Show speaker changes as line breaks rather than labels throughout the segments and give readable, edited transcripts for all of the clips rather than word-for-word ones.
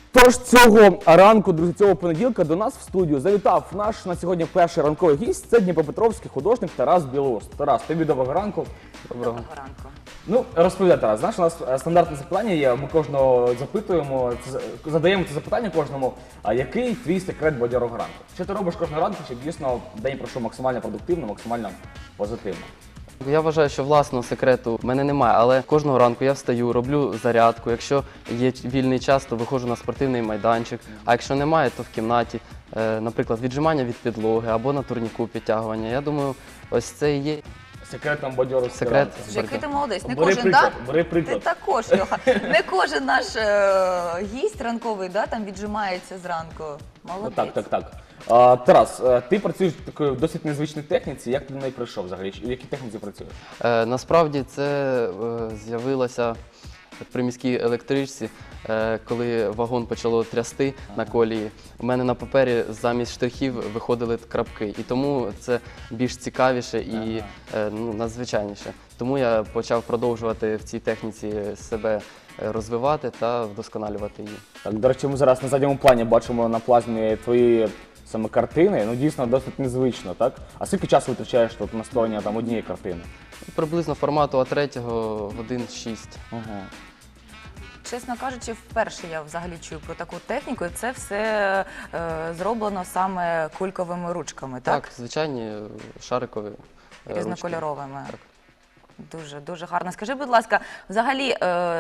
Тож цього ранку, друзі, цього понеділка до нас в студію завітав наш на сьогодні перший ранковий гість. Це дніпропетровський художник Тарас Білоус. Тарас, тобі доброго ранку.
Доброго ранку.
Ну, розповідай, Тарас, знаєш, у нас стандартне запитання є, ми кожного запитуємо, задаємо це запитання кожному, а який твій секрет бадьорого ранку? Що ти робиш кожного ранку, щоб дійсно день пройшов максимально продуктивно, максимально позитивно?
Я вважаю, що власного секрету в мене немає, але кожного ранку я встаю, роблю зарядку. Якщо є вільний час, то виходжу на спортивний майданчик, а якщо немає, то в кімнаті, наприклад, віджимання від підлоги або на турніку підтягування. Я думаю, ось це і є
Секретом бадьорого
секрет.
ранку.
Який ти молодець, не
Бери
кожен,
приклад,
да?
бери приклад.
Ти також, Льоха. Не кожен наш гість ранковий, да, там віджимається зранку. Молодець.
Так. Тарас, ти працюєш в такій досить незвичній техніці, як ти до неї прийшов взагалі? В якій техніці працюєш?
Насправді це з'явилося в приміській електричці, коли вагон почало трясти на колії. У мене на папері замість штрихів виходили крапки, і тому це більш цікавіше і надзвичайніше. Тому я почав продовжувати в цій техніці себе розвивати та вдосконалювати її.
Так, до речі, ми зараз на задньому плані бачимо на плазмі твої саме картини, ну дійсно досить незвично, так? А скільки часу витрачаєш тут на створення там однієї картини?
Приблизно формату А3 годин 6.
Ага.
Чесно кажучи, вперше я взагалі чую про таку техніку, і це все зроблено саме кульковими ручками, так?
Так, звичайні шарикові ручки.
Різнокольоровими.
Так.
Дуже гарно. Скажи, будь ласка, взагалі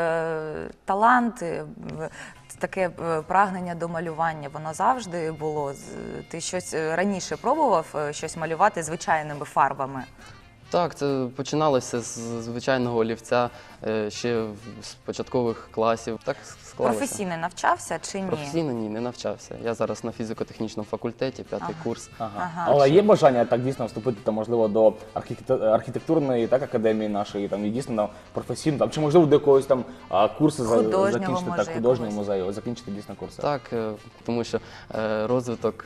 талант, таке прагнення до малювання, воно завжди було? Ти щось раніше пробував щось малювати звичайними фарбами?
Так, це починалося з звичайного олівця ще з початкових класів. Так склалося.
Професійно навчався чи ні?
Професійно ні, не навчався. Я зараз на фізико-технічному факультеті, 5-й курс.
Ага. Але є бажання так дійсно вступити там, можливо, до архітектурної так, академії нашої, там, і дійсно там, професійно, там, чи можливо до якогось там курсу закінчити,
може,
так, художнього музею, закінчити дійсно курси?
Так, тому що розвиток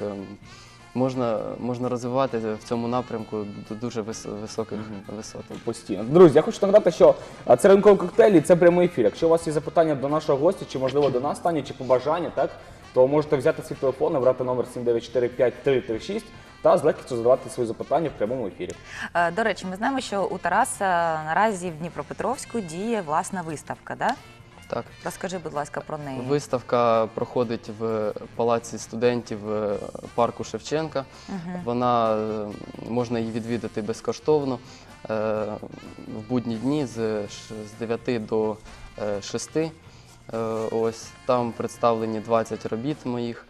можна розвивати в цьому напрямку до дуже високих висот.
Постійно. Друзі, я хочу нагадати, що це ранковий коктейль і це прямий ефір. Якщо у вас є запитання до нашого гостя, чи можливо до нас Тані, чи побажання, так, то можете взяти свій телефон, набрати номер 7945336 та з легкістю задавати свої запитання в прямому ефірі.
До речі, ми знаємо, що у Тараса наразі в Дніпропетровську діє власна виставка, так?
Так.
Розкажи, будь ласка, про неї.
Виставка проходить в Палаці студентів парку Шевченка. Вона, можна її відвідати безкоштовно в будні дні з 9 до 6. Ось там представлені 20 робіт моїх.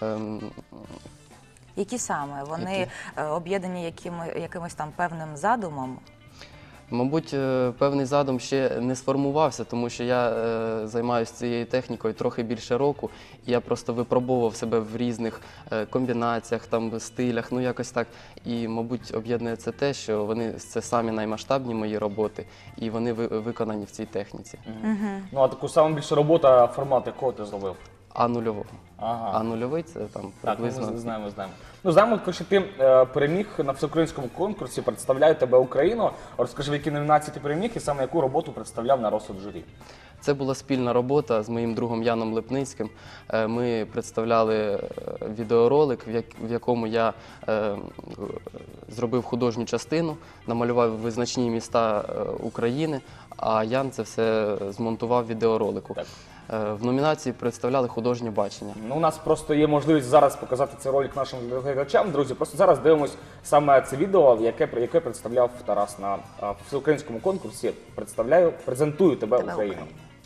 Які саме? Вони об'єднані якимось там певним задумом?
Мабуть, певний задум ще не сформувався, тому що я займаюся цією технікою трохи більше року, і я просто випробовував себе в різних комбінаціях, там, стилях, ну якось так. І, мабуть, об'єднує це те, що це самі наймасштабні мої роботи, і вони виконані в цій техніці.
Ну, а таку саму більшу роботу, формат якого ти зробив?
А-нульового.
Ага.
А-нульовий – це там приблизно…
Так, ми знаємо. Ну, знаємо, що ти переміг на всеукраїнському конкурсі, представляю тебе Україну. Розкажи, в якій номінації ти переміг і саме яку роботу представляв на розсуд журі?
Це була спільна робота з моїм другом Яном Липницьким. Ми представляли відеоролик, в якому я зробив художню частину, намалював визначні міста України, а Ян це все змонтував в відеоролику.
Так.
В номінації представляли художнє бачення.
Ну, у нас просто є можливість зараз показати цей ролик нашим глядачам. Друзі, просто зараз дивимось саме це відео, яке представляв Тарас на всеукраїнському конкурсі. Презентую тебе Україну.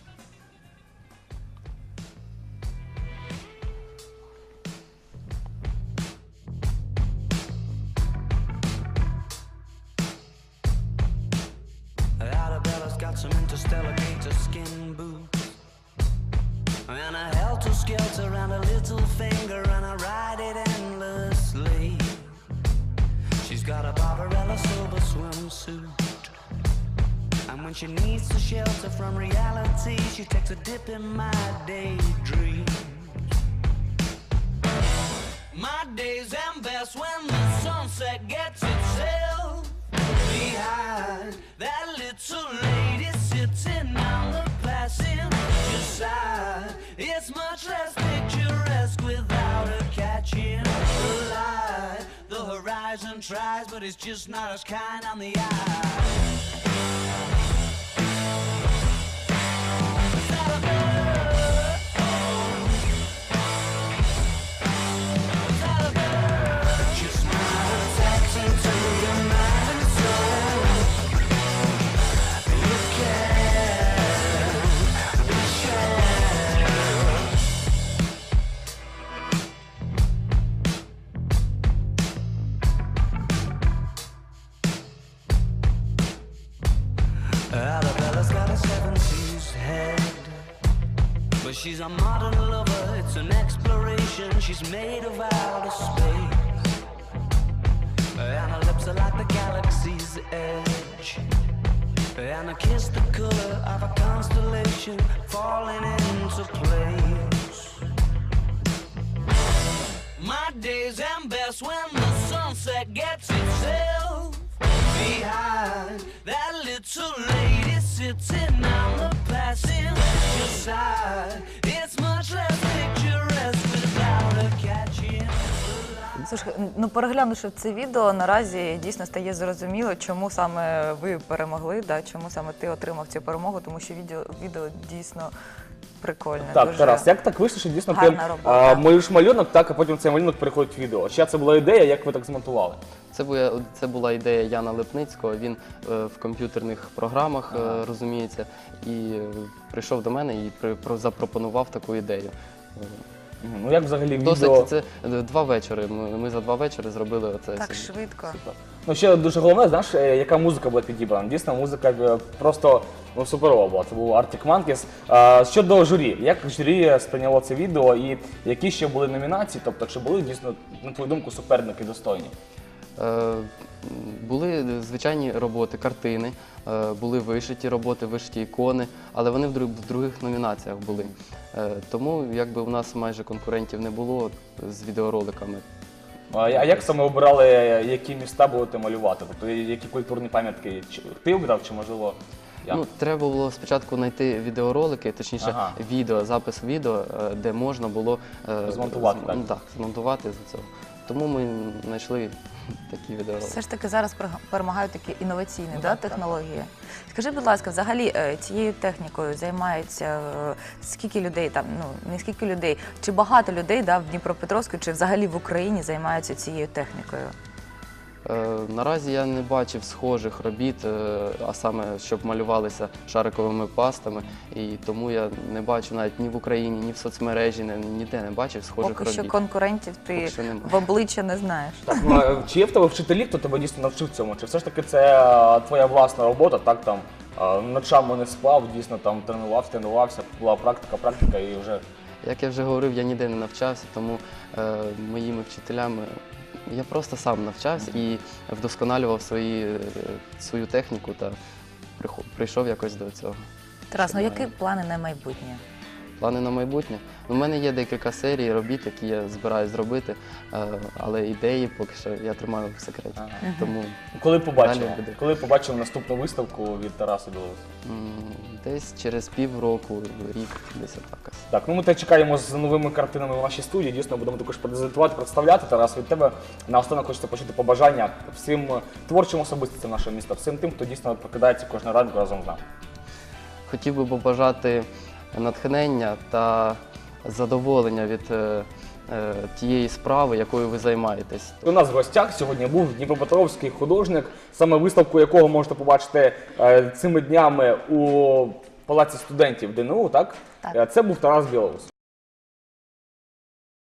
And a helter-skelter and a little finger and I ride it endlessly. She's got a Barbarella silver swimsuit, and when she needs to shelter from reality, she takes a dip in my daydream. My days end best when the sunset gets itself behind that little lady sitting on the placid side. It's much less big tries, but it's just not as kind on the eye. Just not attaching to your mind and soul. You can't be sure. Arabella's got a 70s head, but she's a modern lover, it's an exploration. She's made of outer space, and her lips are like the galaxy's edge, and her kiss the color of a constellation falling into place. My days end best when the sunset gets itself behind that little lady sitting on the passenger side. It's much less picturesque without her catching the light.
Слушай, ну переглянувши це відео, наразі дійсно стає зрозуміло, чому саме ви перемогли, да, чому саме ти отримав цю перемогу, тому що відео дійсно прикольне.
Так,
дуже...
Тарас, як так вийшло, що дійсно ти
гарна робота.
малюєш малюнок, так, а потім цей малюнок переходить в відео? Чия це була ідея, як ви так змонтували?
Це була ідея Яна Липницького. Він в комп'ютерних програмах розуміється, і прийшов до мене і запропонував таку ідею.
Ну як взагалі відео?
Досить, це 2 вечори. Ми за 2 вечори зробили оце.
Так швидко.
Ну ще дуже головне, знаєш, яка музика була підібрана. Дійсно, музика просто суперова була. Це був Arctic Monkeys. Щодо журі, як журі сприйняло це відео і які ще були номінації? Тобто, чи були дійсно, на твою думку, суперники достойні?
Були звичайні роботи, картини, були вишиті роботи, вишиті ікони, але вони в других номінаціях були. Тому якби у нас майже конкурентів не було з відеороликами.
А як саме обирали, які міста будете малювати? Тобто, які культурні пам'ятки ти обрав, чи можливо я?
Ну, треба було спочатку знайти відеоролики, точніше запис відео, де можна було
Змонтувати, так?
Ну, так, змонтувати за цього. Тому ми знайшли такі відеоролики.
Все ж таки зараз перемагають такі інноваційні технології. Скажи, будь ласка, взагалі цією технікою займається скільки людей там, ну не скільки людей, чи багато людей в Дніпропетровську, чи взагалі в Україні займаються цією технікою?
Наразі я не бачив схожих робіт, а саме, щоб малювалися шариковими пастами, і тому я не бачу навіть ні в Україні, ні в соцмережі, ніде не бачив схожих
Поки
робіт.
що конкурентів ти
Поки що немає.
в обличчя не знаєш.
Так, чи є в тебе вчителі, хто тебе дійсно навчив цьому? Чи все ж таки це твоя власна робота, так там ночами не спав, дійсно там тренувався, була практика і вже...
Як я вже говорив, я ніде не навчався, тому моїми вчителями я просто сам навчався і вдосконалював свою техніку та прийшов якось до цього.
Тарас, ну які плани на майбутнє?
Плани на майбутнє? У мене є декілька серій робіт, які я збираюсь зробити, але ідеї поки що я тримаю в секреті. Тому
Коли побачимо наступну виставку від Тараса Білоуса?
десь через півроку, рік, десь отак.
Так, ну ми тебе чекаємо з новими картинами в нашій студії. Дійсно, будемо також презентувати, представляти. Тарас, від тебе наостанок хочеться почути побажання всім творчим особистостям нашого міста, всім тим, хто дійсно прокидається кожного ранку разом з нами.
Хотів би побажати натхнення та задоволення від тієї справи, якою ви займаєтесь.
У нас в гостях сьогодні був дніпропетровський художник, саме виставку якого можете побачити цими днями у Палаці студентів ДНУ, так?
Так.
Це був Тарас Білоус.